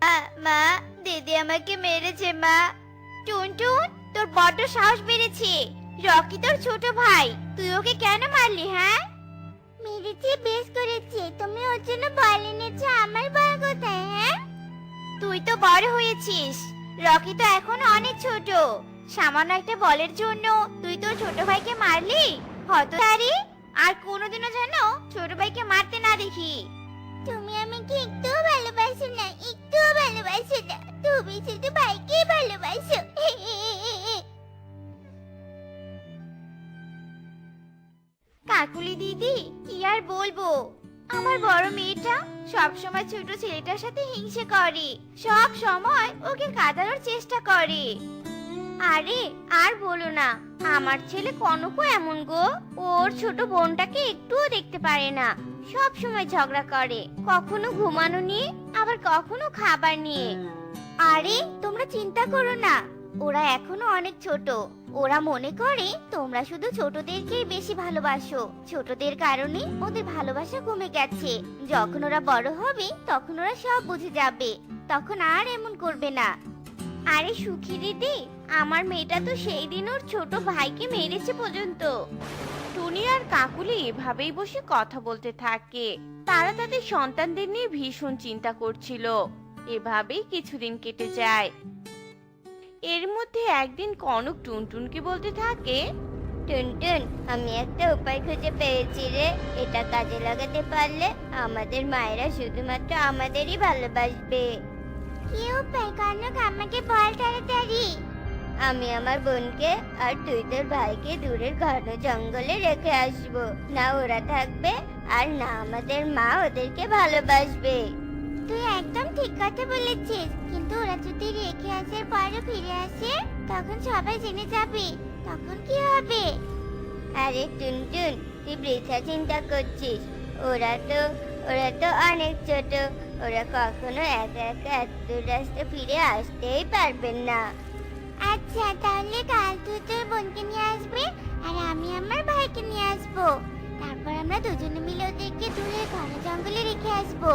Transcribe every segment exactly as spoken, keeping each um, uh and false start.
মা মা, দিদি আমাকে মেরেছে মা। টুনটুন, তোর বড্ড সাহস বেড়েছে। রকি তোর ছোট ভাই, তুই ওকে কেন মারলি? হ্যাঁ, মেরেছে বেশ করেছে। তুমি ওর জন্য বল এনেছো, আমার ভয় কোথায়? হ্যাঁ, তুই তো বড় হয়েছিস, রকি তো এখনো অনেক ছোট। সামান্য একটা বলের জন্য তুই তোর ছোট ভাইকে মারলি? হতচারী, আর কোনোদিনও যেন ছোট ভাইকে মারতে না দেখি। তুমি আমাকে একটুও ভালোবাসো না, একটুও ভালোবাসো না। তুমি শুধু ভাইকে ভালোবাসো। কাকুলি দিদি, কি আর বলবো, আমার বড় মেয়েটা সব সময় ছোট ছেলেটার সাথে হিংসে করে, সব সময় ওকে কাঁদানোর চেষ্টা করে। আরে আর বলো না, আমার ছেলে কনকও এমন গো। ওর ছোট বোনটাকে একটুও দেখতে পারে না, সব সময় ঝগড়া করে, কখনো ঘুমানো নিয়ে, আবার কখনো খাবার নিয়ে। আরে তোমরা চিন্তা করো না, ওরা এখনো অনেক ছোট। ওরা মনে করে তোমরা শুধু ছোটদেরকেই বেশি ভালোবাসো, ছোটদের কারণে ওদের ভালোবাসা কমে গেছে। যখন ওরা বড় হবে তখন ওরা সব বুঝে যাবে, তখন আর এমন করবে না। আরে সুখী দিদি, আমার মেয়েটা তো সেই দিন ওর ছোট ভাইকে মেরেছে পর্যন্ত। টুনি আর কাকুলি এভাবেই বসে কথা বলতে থাকে। তারা তাদের সন্তানদের নিয়ে ভীষণ চিন্তা করছিল। এভাবেই কিছুদিন কেটে যায়। এর মধ্যে একদিন কনক টুনটুনকে বলতে থাকে, টুনটুন, আমি একটা উপায় খুঁজে পেয়েছি রে। এটা কাজে লাগাতে পারলে আমাদের মায়েরা শুধুমাত্র আমাদেরই ভালোবাসবে। কি উপায় কনক, আমাকে বল তাড়াতাড়ি। আমি আমার বোনকে আর তুই তোর ভাইকে দূরের ঘন জঙ্গলে রেখে আসবো। না ওরা থাকবে, আর না আমাদের মা ওদেরকে ভালোবাসবে। তুই একদম ঠিক কথা বলেছিস, কিন্তু ওরা যদি রেখে আসার পরে ফিরে আসে তখন সবাই জেনে যাবে, তখন কি হবে? আরে টুনটুন, তুই বৃথা চিন্তা করছিস। ওরা তো ওরা তো অনেক ছোট, ওরা কখনো একা একা এত দূর রাস্তা ফিরে আসতেই পারবেন না। আচ্ছা, তাহলে কাল তুই তোর বোনকে নিয়ে আসবি আর আমি আমার ভাইকে নিয়ে আসবো। তারপর আমরা দুজনে মিলে ওদেরকে দূরে ঘন জঙ্গলে রেখে আসবো।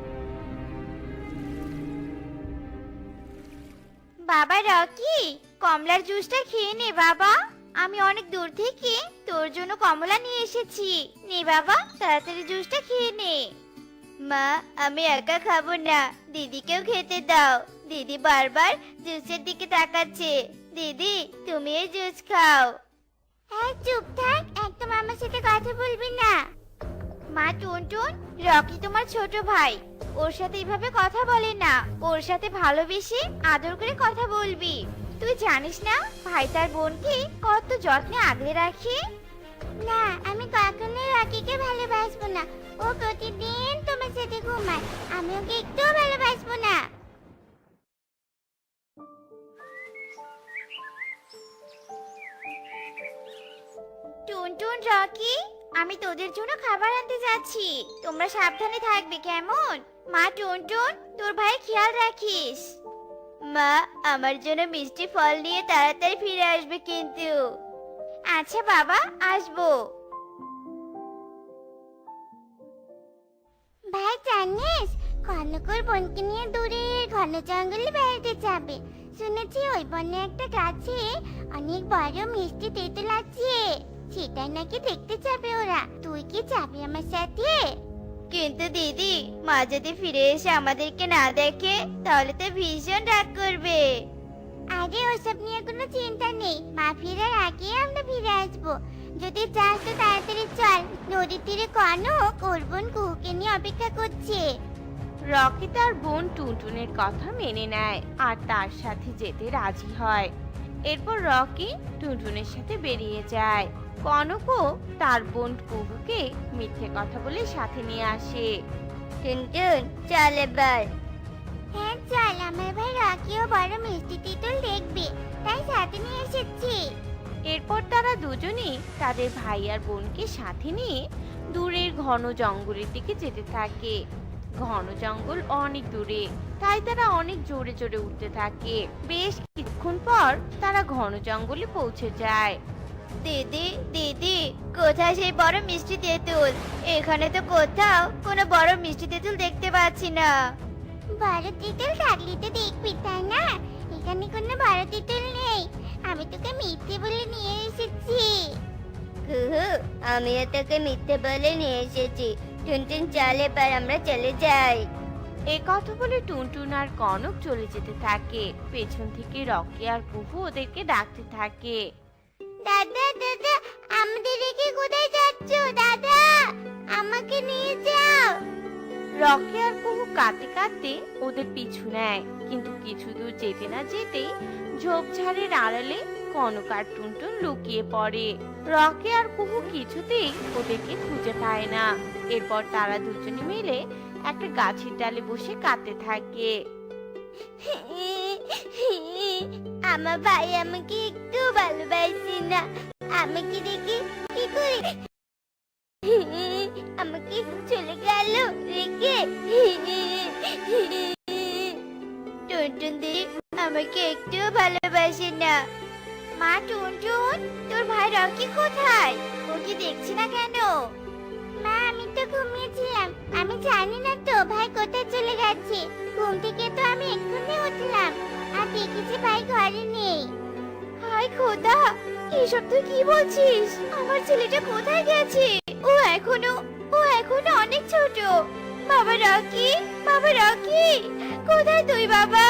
বাবা রকি, কমলার জুসটা খেয়ে নে বাবা। আমি অনেক দূর থেকে তোর জন্য কমলা নিয়ে এসেছি। নে বাবা, তাড়াতাড়ি জুসটা খেয়ে নে। মা, আমি একা খাবো না, দিদিকেও খেতে দাও। দিদি বারবার জুসের দিকে তাকাচ্ছে। দিদি, তুমি এই জুস খাও। হ্যাঁ, চুপ থাক, একদম আমার সাথে কথা বলবি না। মা টুনটুন, রকি তোমার ছোট ভাই, ওর সাথে এইভাবে কথা বলে না। ওর সাথে ভালোবেসে আদর করে কথা বলবি। তুই জানিস না ভাই তার বোনকে কত যত্নে আগলে রাখে। না, আমি কখনোই রকিকে ভালোবাসবো না। ও প্রতিদিন তোমার সাথে ঘুমায়, আমি ওকে একটুও ভালোবাসবো না। টুনটুন, রকি, আমি তোদের জন্য খাবার আনতে যাচ্ছি, তোমরা সাবধানে থাকবে কেমন? মা টুনটুন, তোর ভাই খেয়াল রাখিস। মা, আমার জন্য মিষ্টি ফল নিয়ে তাড়াতাড়ি ফিরে আসবে কিন্তু। আচ্ছা বাবা, আসবো। ভাই জানিস, কনকর বোনকে নিয়ে দূরে ঘন জঙ্গলে বেড়াতে যাবে। শুনেছি ওই বনে একটা গাছে অনেক বড় মিষ্টি তেঁতুল আছে, সেটাই নাকি দেখতে যাবে ওরা। তুই কি যাবি আমার সাথে? কিন্তু দিদি, মা যদি ফিরে এসে আমাদেরকে না দেখে তাহলে তো ভীষণ রাগ করবে। আরে ওসব নিয়ে কোনো চিন্তা নেই, মা ফেরার আগে আমরা ফিরে আসবো। যদি চাস তো তাড়াতাড়ি চল, নদীর তীরে কনক ওর বোন কুহুকে নিয়ে অপেক্ষা করছে। রকি তার বোন টুনটুনের কথা মেনে নেয় আর তার সাথে যেতে রাজি হয়। এরপর রকি টুনটুনের সাথে বেরিয়ে যায়। কনকও তার বোন কুহুকে মিথ্যে কথা বলে সাথে নিয়ে আসে। টুনটুন, চল এবার। হ্যাঁ চল, আমার ভাই রকিও বড় মিষ্টি তেঁতুল দেখবে, তাই সাথে নিয়ে এসেছি। এরপর তারা দুজনেই তাদের ভাই আর বোনকে সাথে নিয়ে দূরের ঘন জঙ্গলের দিকে যেতে থাকে। ঘন জঙ্গল অনেক দূরে, তাই তারা অনেক জোরে জোরে উঠতে থাকে। বেশ কিছুক্ষণ পর তারা ঘন জঙ্গলে পৌঁছে যায়। দিদি, দিদি, কোথায় সেই বড় মিষ্টি তেঁতুল? এখানে তো কোথাও কোনো বড় মিষ্টি তেঁতুল দেখতে পাচ্ছি না। বড় তিতুল থাকলে তো দেখবি, তাই না? এখানে কোনো বড় তিতুল নেই। আমি তোকে মিথ্যে বলে নিয়ে এসেছি। কুহু, আমিও তোকে মিথ্যে বলে নিয়ে এসেছি। টুনটুন চল, এবার আমরা চলে যাই। এ কথা বলে টুনটুন আর কনক চলে যেতে থাকে। পেছন থেকে রকি আর কুহু ওদেরকে ডাকতে থাকে। দাদা দাদা, আমাদের রেখে কোথায় যাচ্ছ? দাদা, আমাকে নিয়ে যাও। রকি আর কুহু কাঁদতে কাঁদতে ওদের পিছু নেয়, কিন্তু কিছু দূর যেতে না যেতেই ঝোপঝাড়ের আড়ালে কনক আর টুনটুন লুকিয়ে পড়ে। রকি আর কুহু কিছুতেই ওদেরকে খুঁজে পায় না। এরপর তারা দুজনে মিলে একটা গাছের ডালে বসে কাঁদতে থাকে। আমার ভাই আমাকে একটু ভালোবাসে না। আমাকে দেখে কি করে আমাকে চলে গেল রেখে। টুনটুন দি আমাকে একটু ভালোবাসে না। মা টুনটুন, তোর ভাই রকি কোথায়? ওকে দেখছি না কেন? মা, আমি তো ঘুমিয়েছিলাম। আমি জানি না তো ভাই কোথায় চলে গেছে। ঘুম থেকে তো আমি এক্ষুনি উঠলাম আর দেখেছি ভাই ঘরে নেই। হায় খোদা, এসব তুই কি বলছিস? আমার ছেলেটা কোথায় গেছে? ও এখনো ও এখনো অনেক ছোট। বাবা রকি, বাবা রকি, কোথায় তুই বাবা?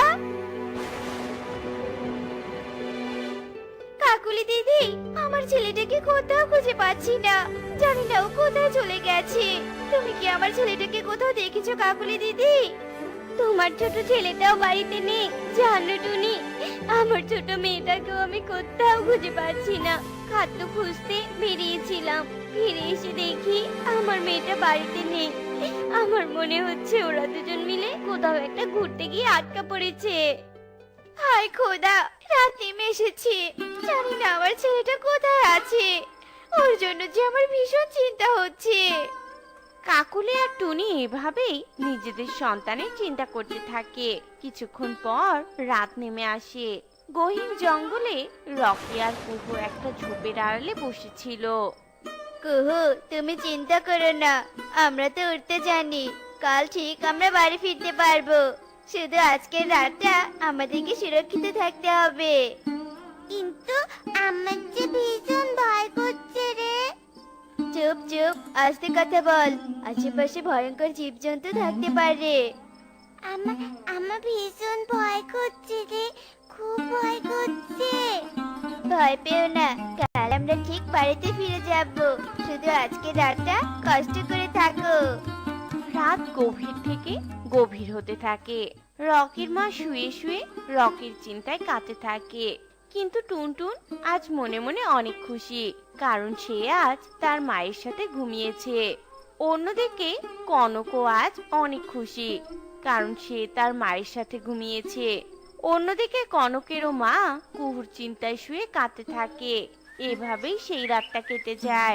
কাকুলি দিদি, আমার ছেলেটাকে কোথাও খুঁজে পাচ্ছি না। জানি না ও কোথায় চলে গেছে। তুমি কি আমার ছেলেটাকে কোথাও দেখেছো কাকুলি দিদি? তোমার ছোট ছেলেটাও বাড়িতে নেই জানো টুনি। আমার ছোট মেয়েটাকেও আমি কোথাও খুঁজে পাচ্ছি না। খাদ্য খুঁজতে বেরিয়েছিলাম, ফিরে এসে দেখি আমার মেয়েটা বাড়িতে নেই। আমার মনে হচ্ছে ওরা দুজন মিলে কোথাও একটা ঘুরতে গিয়ে আটকা পড়েছে। হায় খোদা, রাত নেমে এসেছে। জানি না আমার ছেলেটা কোথায় আছে। ওর জন্য যে আমার ভীষণ চিন্তা হচ্ছে। কাকুলি আর টুনি এভাবেই নিজেদের সন্তানের চিন্তা করতে থাকে। কিছুক্ষণ পর রাত নেমে আসে। গহীন জঙ্গলে রকি আর কুহু একটা ঝোপের আড়ালে বসেছিল। কুহু, তুমি চিন্তা করো না, আমরা তো উঠতে জানি। কাল ঠিক আমরা বাড়ি ফিরতে পারবো। শুধু আজকের রাতটা আমাদেরকে সুরক্ষিত থাকতে হবে। কিন্তু আমার যে ভীষণ ভয় করছে রে। চুপ চুপ, আস্তে কথা বল। আশেপাশে ভয়ঙ্কর জীবজন্তু থাকতে পারে। আমার আমার ভীষণ ভয় করছে রে, খুব ভয় করছে। ভয় পেও না, কাল আমরা ঠিক বাড়িতে ফিরে যাব। শুধু আজকে রাতটা কষ্ট করে থাকো। রাত গভীর থেকে গভীর হতে থাকে। রকির মা শুয়ে শুয়ে রকির চিন্তায় কাটতে থাকে। কিন্তু টুনটুন আজ মনে মনে অনেক খুশি, কারণ সে আজ তার মায়ের সাথে ঘুমিয়েছে। অন্যদিকে কনকও আজ অনেক খুশি, কারণ সে তার মায়ের সাথে ঘুমিয়েছে। অন্যদিকে কনকেরও মা কুহুর চিন্তায় শুয়ে কাঁদতে থাকে। এভাবেই সেই রাতটা কেটে যায়।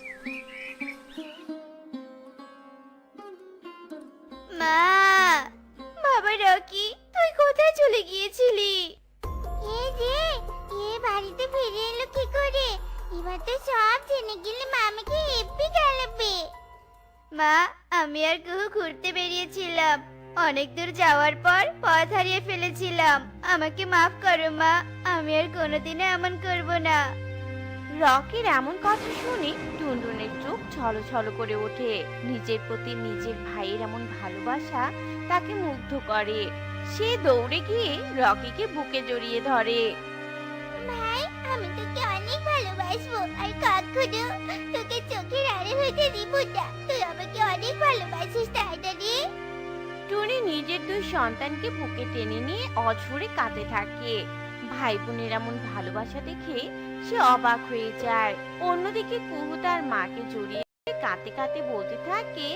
মা, বাবা রকি, তুই কোথায় চলে গিয়েছিলি? এ রে, এ বাড়িতে ফিরে এলো কি করে? এবার তো সব জেনে গেলে মা আমাকে হেব্বি গালাবে। মা, আমি আর কুহু ঘুরতে বেরিয়েছিলাম। অনেক দূর যাওয়ার পর পথ হারিয়ে ফেলেছিলাম। আমাকে মাফ করো মা, আমি আর কোনোদিনও এমন করব না। রকির এমন কথা শুনে টুনটুনের চোখ ছলছল করে ওঠে। নিজের প্রতি নিজের ভাইয়ের এমন ভালোবাসা তাকে মুগ্ধ করে। সে দৌড়ে গিয়ে রকিকে বুকে জড়িয়ে ধরে। ভাই, আমি তোকে অনেক ভালোবাসবো আর কখনো তোকে চোখের আড়ে হইতে দিব না। তুই আমাকে অনেক ভালোবাসিস, তাই না রে? টুনি নিজের দুই সন্তানকে বুকে টেনে নিয়ে অঝরে কাঁদতে থাকে। ভাই বোনের এমন ভালোবাসা দেখে সে অবাক হয়ে যায়। অন্যদিকে কুহু তার মাকে জড়িয়ে কাঁদতে কাঁদতে বলতে থাকে,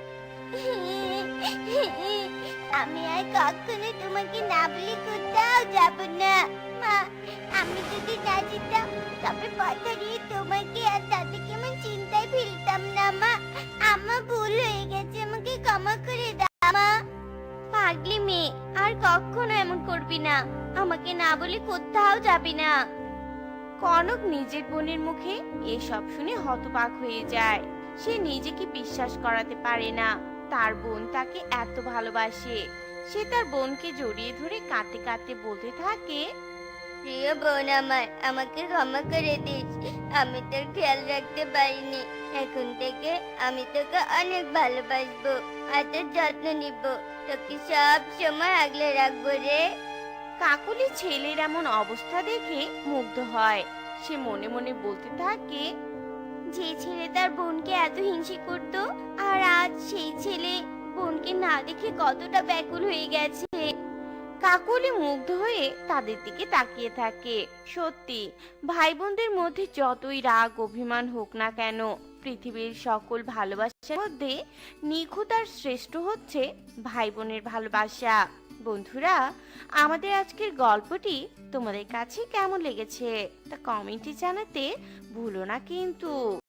আমি আর কখনো তোমাকে না বলে কোথাও যাব না। মা, আমি যদি না যেতাম তবে পথ হারিয়ে তোমাকে আর দাদাকে আমি চিন্তায় ফেলতাম না। মা, আমার ভুল হয়ে গেছে, আমাকে ক্ষমা করে দাও মা। পাগলি মেয়ে, আর কখনো এমন করবি না। আমাকে না বলে কোথাও যাবি না। কনক নিজের বোনের মুখে এসব শুনে হতবাক হয়ে যায়। সে নিজেকে বিশ্বাস করাতে পারে না তার বোন তাকে এত ভালোবাসে। সে তার বোনকে জড়িয়ে ধরে কাঁদতে কাঁদতে বলতে থাকে। প্রিয় বোন আমার, আমাকে ক্ষমা করে দিস। আমি তোর খেয়াল রাখতে পারিনি। এখন থেকে আমি তোকে অনেক ভালোবাসবো আর তোর যত্ন নিব। তোকে সব সময় আগলে রাখবো রে। কাকুলি ছেলের এমন অবস্থা দেখে মুগ্ধ হয়। সে মনে মনে বলতে থাকে, যে ছেলে তার বোনকে এত হিংসে করত, আর আজ সেই ছেলে বোনকে না দেখে কতটা ব্যাকুল হয়ে গেছে। কাকুলি মুগ্ধ হয়ে তাদের দিকে তাকিয়ে থাকে। সত্যি, ভাই বোনদের মধ্যে যতই রাগ অভিমান হোক না কেন, পৃথিবীর সকল ভালোবাসার মধ্যে নিখুঁত আর শ্রেষ্ঠ হচ্ছে ভাই বোনের ভালোবাসা। বন্ধুরা, আমাদের আজকের গল্পটি তোমাদের কাছে কেমন লেগেছে তা কমেন্টে জানাতে ভুলো না কিন্তু।